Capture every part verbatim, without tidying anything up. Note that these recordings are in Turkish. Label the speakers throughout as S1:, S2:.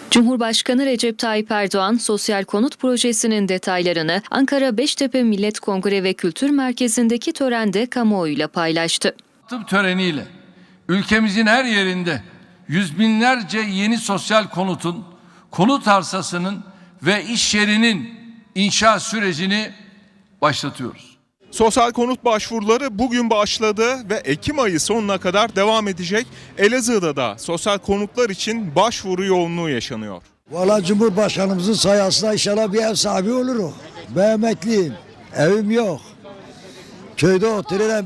S1: Cumhurbaşkanı Recep Tayyip Erdoğan, sosyal konut projesinin detaylarını Ankara Beştepe Millet Kongre ve Kültür Merkezi'ndeki törende kamuoyuyla paylaştı.
S2: Tıp töreniyle ülkemizin her yerinde yüz binlerce yeni sosyal konutun, konut arsasının ve iş yerinin inşa sürecini başlatıyoruz.
S3: Sosyal konut başvuruları bugün başladı ve Ekim ayı sonuna kadar devam edecek. Elazığ'da da sosyal konutlar için başvuru yoğunluğu yaşanıyor.
S4: Valla Cumhurbaşkanımızın sayesinde inşallah bir ev sahibi olurum. Ben emekliyim. Evim yok. Köyde oturuyorum.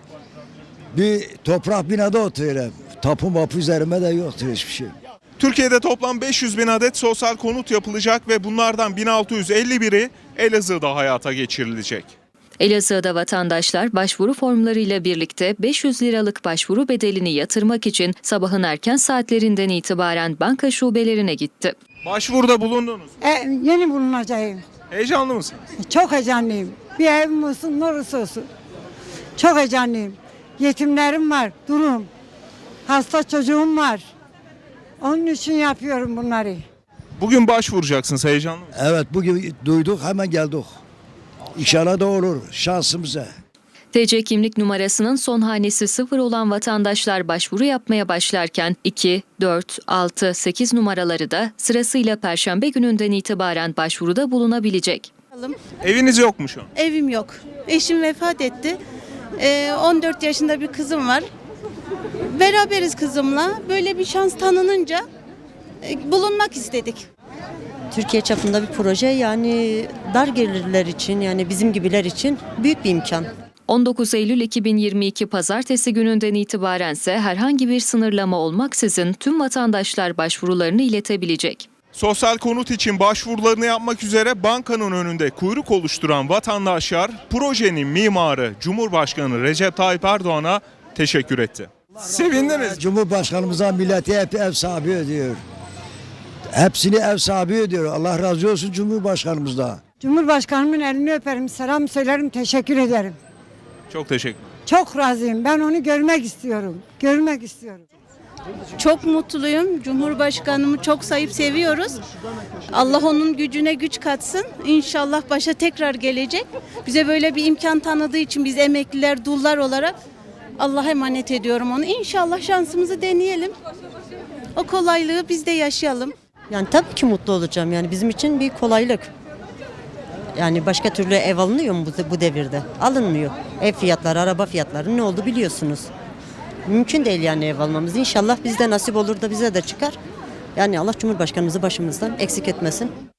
S4: Bir toprak binada oturuyorum. Tapu mapu üzerime de yoktur hiçbir şey.
S3: Türkiye'de toplam beş yüz bin adet sosyal konut yapılacak ve bunlardan bin altı yüz elli biri Elazığ'da hayata geçirilecek.
S1: Elazığ'da vatandaşlar başvuru formlarıyla birlikte beş yüz liralık başvuru bedelini yatırmak için sabahın erken saatlerinden itibaren banka şubelerine gitti.
S3: Başvuruda bulundunuz.
S5: E, yeni bulunacağım.
S3: Heyecanlı mısınız?
S5: Çok heyecanlıyım. Bir evim olsun, neresi olsun. Çok heyecanlıyım. Yetimlerim var, durum. Hasta çocuğum var. Onun için yapıyorum bunları.
S3: Bugün başvuracaksınız, heyecanlı mısınız?
S4: Evet, bugün duyduk, hemen geldik. İnşallah da olur şansımıza.
S1: T C kimlik numarasının son hanesi sıfır olan vatandaşlar başvuru yapmaya başlarken iki, dört, altı, sekiz numaraları da sırasıyla Perşembe gününden itibaren başvuruda bulunabilecek.
S3: Eviniz yok mu şu an?
S6: Evim yok. Eşim vefat etti. Ee, on dört yaşında bir kızım var. Beraberiz kızımla. Böyle bir şans tanınınca e, bulunmak istedik.
S7: Türkiye çapında bir proje, yani dar gelirler için, yani bizim gibiler için büyük bir imkan.
S1: on dokuz Eylül iki bin yirmi iki Pazartesi gününden itibarense herhangi bir sınırlama olmaksızın tüm vatandaşlar başvurularını iletebilecek.
S3: Sosyal konut için başvurularını yapmak üzere bankanın önünde kuyruk oluşturan vatandaşlar projenin mimarı Cumhurbaşkanı Recep Tayyip Erdoğan'a teşekkür etti. Sevindiniz.
S4: Cumhurbaşkanımıza milleti hep ev sahibi ediyor. Hepsini ev sahibi ediyor. Allah razı olsun Cumhurbaşkanımızda.
S5: Cumhurbaşkanımın elini öperim, selam söylerim, teşekkür ederim.
S3: Çok teşekkür.
S5: Çok razıyım. Ben onu görmek istiyorum. Görmek istiyorum.
S6: Çok mutluyum. Cumhurbaşkanımı çok sayıp seviyoruz. Allah onun gücüne güç katsın. İnşallah başa tekrar gelecek. Bize böyle bir imkan tanıdığı için biz emekliler, dullar olarak Allah'a emanet ediyorum onu. İnşallah şansımızı deneyelim. O kolaylığı biz de yaşayalım.
S7: Yani tabii ki mutlu olacağım, yani bizim için bir kolaylık. Yani başka türlü ev alınıyor mu bu, bu devirde? Alınmıyor. Ev fiyatları, araba fiyatları ne oldu biliyorsunuz. Mümkün değil yani ev almamız. İnşallah bizde nasip olur da bize de çıkar. Yani Allah Cumhurbaşkanımızı başımızdan eksik etmesin.